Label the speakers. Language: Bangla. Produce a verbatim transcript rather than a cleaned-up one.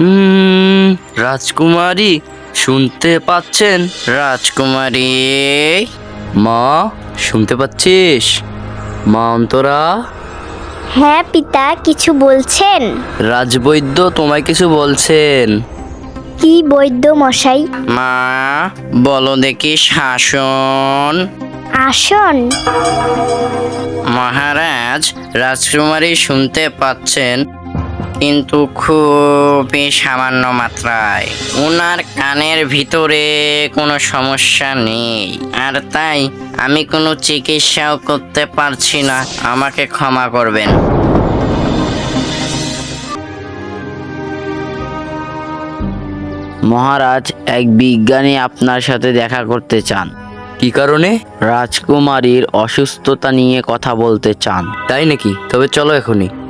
Speaker 1: হুম রাজকুমারী শুনতে পাচ্ছেন? রাজকুমারী, মা শুনতে পাচ্ছিস? মা অন্তরা,
Speaker 2: হ্যাঁ পিতা, কিছু বলছেন?
Speaker 1: রাজবৈদ্য তোমায় কিছু বলছেন।
Speaker 2: কি বৈদ্য মশাই?
Speaker 1: মা বলো দেখি শাসন।
Speaker 2: আসন।
Speaker 1: মহারাজ, রাজকুমারী শুনতে পাচ্ছেন, কিন্তু খুবই সামান্য মাত্রায়। ওনার কানের ভিতরে কোনো সমস্যা নেই, আর তাই আমি কোনো চিকিৎসাও করতে পারছি না। আমাকে ক্ষমা করবেন। মহারাজ, এক বিজ্ঞানী আপনার সাথে দেখা করতে চান। কি কারণে? রাজকুমারীর অসুস্থতা নিয়ে কথা বলতে চান। তাই নাকি? তবে চলো এখনই।